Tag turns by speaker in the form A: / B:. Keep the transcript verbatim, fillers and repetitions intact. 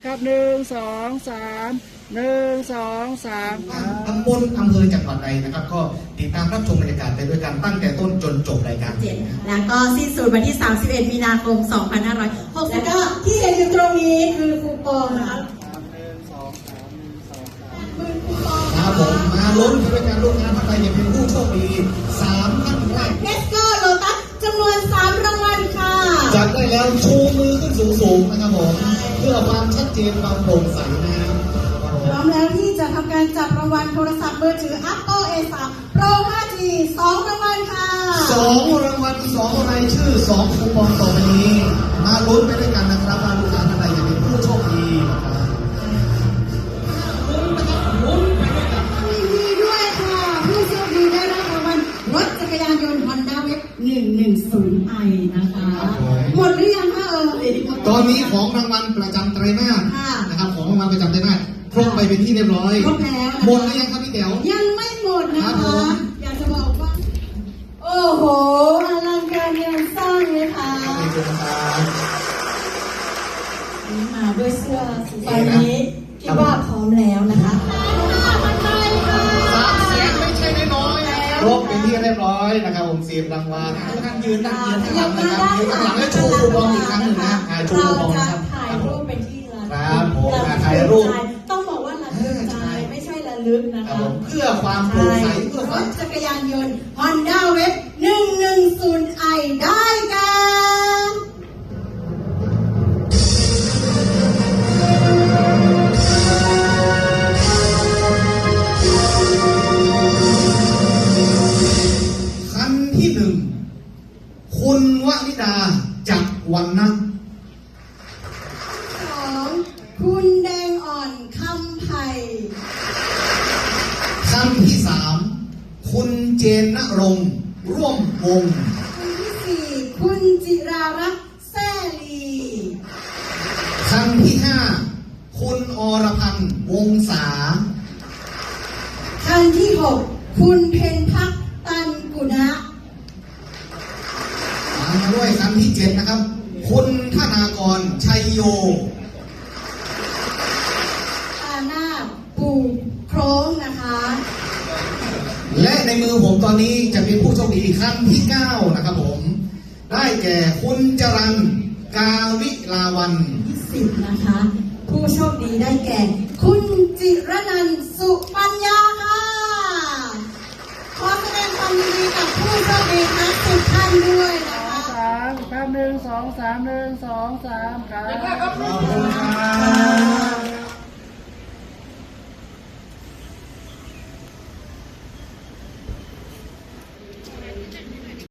A: ครับหนึ่งสองสามหนึ่งสองสาม
B: ตำบลอำเภอจังหวัดใดนะครับก็ติดตามรับชมบรรยากาศไปด้วยกันตั้งแต่ต้นจนจบรายการ
C: แล้วก็สิ้นสุดวันที่สามสิบเอ็ดมีนาคมสองพันห้าร้อยหกสิบแล้วก็ที่เห็นอยู่ตรงนี้คือคูปองนะคะ
B: ครับผมมาลุ้นด้วยกันลูกค้าท่านใดจะเป็นผู้โชคดีสามท่านแรก
C: เทสโก้โลตัสจำนวนสามรางวัลค่ะ
B: จัดได้แล้วชูมือขึ้นสูงๆนะครับผมเพื่อความชัดเจนความโปร่งใสนะครับ
C: พร้อมแล้วที่จะทำการจับรางวัลโทรศัพท์มือถือ Apple เอ สาม Pro ห้าจี สองรางวัลค่ะ
B: สองรางวัลสองรายชื่อสองคูปองต่อไปนี้มาลุ้นไปด้วยกันนะครับว่าลูกค้าท่านใดจะเป็นผู้โชคดีนะครับ
C: ดีด้วยค่ะผู้โชคดีได้รับรางวัลรถจักรยานยนต์ Honda Wave หนึ่งหนึ่งศูนย์ ไอ นะคะหมดหรือยังคะเออ
B: ตอนนี้ของรางวัลประจำไตรมาสนะครับของรางวัลประจำไตรมาสครบไปเป็นที่เรียบร้อย
C: ครบแล้ว
B: หมดหรือยังครับพี่เต๋อ
C: ยังไม่หมดนะคะอยากจะบอกว่าโอ้โหอลังการงานสร้างเลยค่ะมาด้วยเสื้อสีฟ้านี้คิดว่าพร้อมแล้วนะคะ
B: สามแสนไม่ใช่น้อยๆครบเป็นที่เรียบร้อยนะครับผมสิบรางวัลนั่งยืนนั่งยืนข้างหลังนะครับยืนข้างหลังแล้วโชว์คูปองอีกครั้งหนึ่งนะโชว์คูปองนะครับ
C: ถ่ายรูปเป็นที่ระลึก
B: ครับผมถ่ายรูป
C: ต้องบอกว่าระลึกใจไม่ใช่ระลึกนะคะ
B: เพื่อความโปร่งใสเพื่อความ
C: จักรยานยนต์ Honda Wave หนึ่งหนึ่งศูนย์ ไอ ได้กัน
B: คันที่หนึ่งคุณวนิดาจักรวรรณะ
C: สองคุณแดงอ่อนคำไผ่
B: คันที่สามคุณเจนณรงค์ร่วมวง
C: คันที่สี่คุณจิรารัตน์แซ่ลี
B: คันที่ห้าคุณอรพันธ์วงศา
C: คันที่หกคุณเพ็ญพักตันกุณะ
B: ตามมาด้วยคันที่เจ็ดนะครับคุณธนากรชัยโย
C: อาณาปูโครงนะคะ
B: และในมือผมตอนนี้จะเป็นผู้โชคดีขั้นที่เก้านะครับผมได้แก่คุณจรัญกาวิลาวัน
C: ที่สิบนะคะผู้โชคดีได้แก่คุณจิรนันท์สุปัญญาค่ะขอแสดงความยินดีกับผู้โชคดีทั้งสิบท่านด้วยนะคะ
A: สามครับหนึ่งสองสามหนึ่งสองสามครับ
B: ขอบคุณครับ